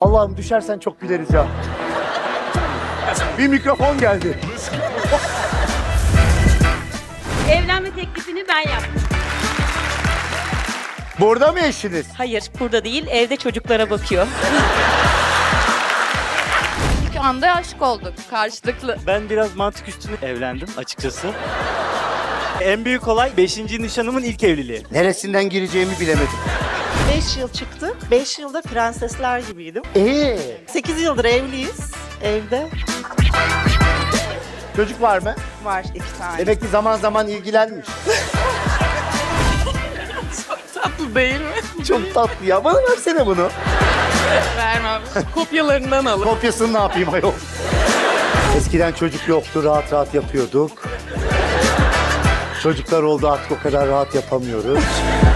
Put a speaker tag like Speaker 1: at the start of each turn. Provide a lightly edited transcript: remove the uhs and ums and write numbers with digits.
Speaker 1: Allah'ım düşersen çok güleriz ya. Bir mikrofon geldi.
Speaker 2: Evlenme teklifini ben yaptım.
Speaker 1: Burada mı eşiniz?
Speaker 2: Hayır, burada değil, evde çocuklara bakıyor.
Speaker 3: İlk anda aşık olduk karşılıklı.
Speaker 4: Ben biraz mantık üstüne evlendim açıkçası. En büyük olay 5. nişanımın ilk evliliği.
Speaker 1: Neresinden gireceğimi bilemedim.
Speaker 5: 5 yıl çıktık. 5 yılda prensesler gibiydim. 8 yıldır evliyiz. Evde
Speaker 1: Çocuk var mı?
Speaker 5: var 2 tane.
Speaker 1: Demek ki zaman zaman ilgilenmiş.
Speaker 5: Tatlı değil mi?
Speaker 1: Çok tatlı ya. Bana versene bunu.
Speaker 5: Vermem. Kopyalarından alın.
Speaker 1: Kopyasını ne yapayım ayol? Eskiden çocuk yoktu, rahat rahat yapıyorduk. Çocuklar oldu, artık o kadar rahat yapamıyoruz.